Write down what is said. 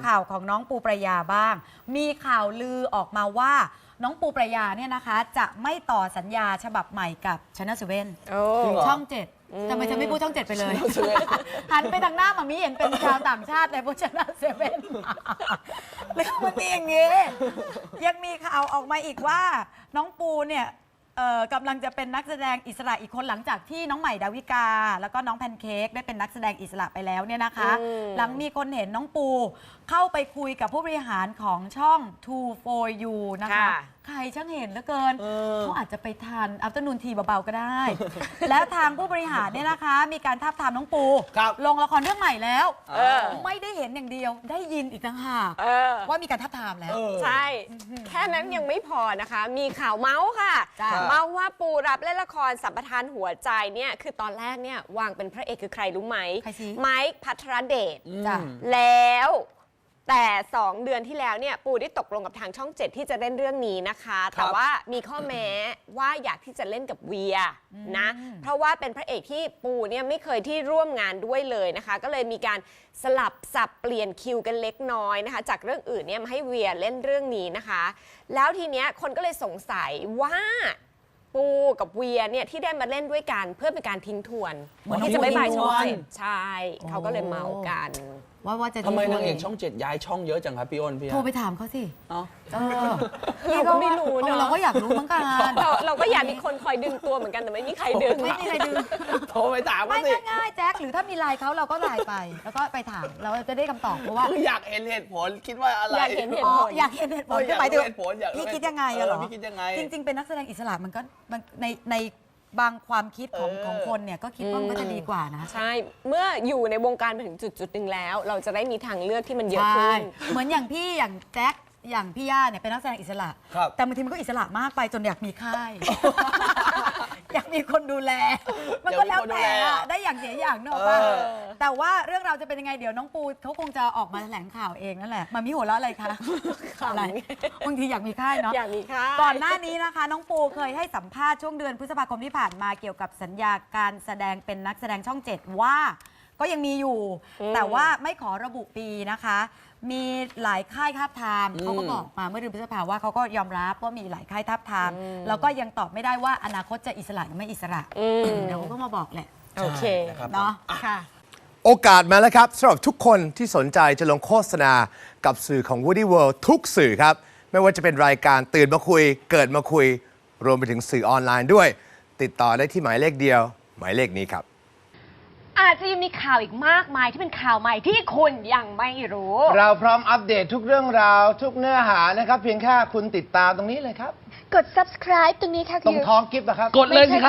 ข่าวของน้องปูประยาบ้างมีข่าวลือออกมาว่าน้องปูประยาเนี่ยนะคะจะไม่ต่อสัญญาฉบับใหม่กับชนะเซเว่นช่อง7ทำไมฉันไม่พูดช่อง7ไปเลยหันไปทางหน้ามามิเห็นเป็นชาวต่างชาติในพวกชนะเซเว่นเรื่องมันมีอย่างนี้ยังมีข่าวออกมาอีกว่าน้องปูเนี่ยกำลังจะเป็นนักแสดงอิสระอีกคนหลังจากที่น้องใหม่ดาวิกาแล้วก็น้องแพนเค้กได้เป็นนักแสดงอิสระไปแล้วเนี่ยนะคะหลังมีคนเห็นน้องปูเข้าไปคุยกับผู้บริหารของช่อง Two for You นะคะใครช่างเห็นเหลือเกินเขาอาจจะไปทานอัฟเตอร์นูนทีเบาๆก็ได้ แล้วทางผู้บริหารเนี่ยนะคะมีการทาบทามน้องปูลงละครเรื่องใหม่แล้วไม่ได้เห็นอย่างเดียวได้ยินอีกต่างหากว่ามีการทาบทามแล้วใช่แค่นั้นยังไม่พอนะคะมีข่าวเมาส์ค่ะเมาส์ว่าปูรับเล่นละครสัมปทานหัวใจเนี่ยคือตอนแรกเนี่ยวางเป็นพระเอกคือใครรู้ไหมไมค์ภัทรเดชแล้วแต่2 เดือนที่แล้วเนี่ยปูได้ตกลงกับทางช่อง7ที่จะเล่นเรื่องนี้นะคะแต่ว่ามีข้อแม้ว่าอยากที่จะเล่นกับเวียนะเพราะว่าเป็นพระเอกที่ปูเนี่ยไม่เคยที่ร่วมงานด้วยเลยนะคะก็เลยมีการสลับสับเปลี่ยนคิวกันเล็กน้อยนะคะจากเรื่องอื่นเนี่ยมาให้เวียเล่นเรื่องนี้นะคะแล้วทีเนี้ยคนก็เลยสงสัยว่าปูกับเวียเนี่ยที่ได้มาเล่นด้วยกันเพื่อเป็นการทิ้งทวนที่จะไม่บายช่องใช่เขาก็เลยเมากันว่าจะทำไมนางเอกช่อง7ย้ายช่องเยอะจังครับพี่อ้นพี่โทรไปถามเขาสิเราก็ไม่รู้เนอะเราก็อยากรู้เหมือนกันเราก็อยากมีคนคอยดึงตัวเหมือนกันแต่ไม่มีใครดึงโทรไปถามไม่ง่ายแจ็คหรือถ้ามีไลน์เขาเราก็ไลน์ไปแล้วก็ไปถามเราจะได้คำตอบเพราะว่าอยากเห็นเหตุผลคิดว่าอะไรอยากเห็นเหตุผลคือหมายถึงพี่คิดยังไงเหรอพี่คิดยังไงจริงๆเป็นนักแสดงอิสระมันก็ในบางความคิดของคนเนี่ยก็คิดว่ามันจะดีกว่านะใช่เมื่ออยู่ในวงการมาถึงจุดหนึ่งแล้วเราจะได้มีทางเลือกที่มันเยอะขึ้นเหมือนอย่างพี่อย่างแจ็คอย่างพี่ย่าเนี่ยเป็นนักแสดงอิสระแต่บางทีมันก็อิสระมากไปจนอยากมีค่ายอยากมีคนดูแลมันก็แล้วแต่ได้อย่างเสียอย่างเนอะป่ะแต่ว่าเรื่องราวจะเป็นยังไงเดี๋ยวน้องปูเขาคงจะออกมาแถลงข่าวเองนั่นแหละมามีหัวเราะอะไรคะอะไรบางทีอยากมีค่ายเนาะอยากมีค่ายก่อนหน้านี้นะคะน้องปูเคยให้สัมภาษณ์ช่วงเดือนพฤษภาคมที่ผ่านมาเกี่ยวกับสัญญาการแสดงเป็นนักแสดงช่อง7ว่าก็ยังมีอยู่แต่ว่าไม่ขอระบุปีนะคะมีหลายค่ายทาบทามเขาก็บอกมาเมื่อเดือนพฤษภาว่าเขาก็ยอมรับว่ามีหลายค่ายทาบทามแล้วก็ยังตอบไม่ได้ว่าอนาคตจะอิสระหรือไม่อิสระเดี๋ยวเขาก็มาบอกแหละโอเคเนาะค่ะโอกาสมาแล้วครับสำหรับทุกคนที่สนใจจะลงโฆษณากับสื่อของ Woody World ทุกสื่อครับไม่ว่าจะเป็นรายการตื่นมาคุยเกิดมาคุยรวมไปถึงสื่อออนไลน์ด้วยติดต่อได้ที่หมายเลขเดียวหมายเลขนี้ครับอาจจะยังมีข่าวอีกมากมายที่เป็นข่าวใหม่ที่คุณยังไม่รู้เราพร้อมอัปเดตทุกเรื่องราวทุกเนื้อหานะครับเพียงแค่คุณติดตามตรงนี้เลยครับกด subscribe ตรงนี้ค่ะตรงท้องกิฟต์นะครับกดเลยสิครับ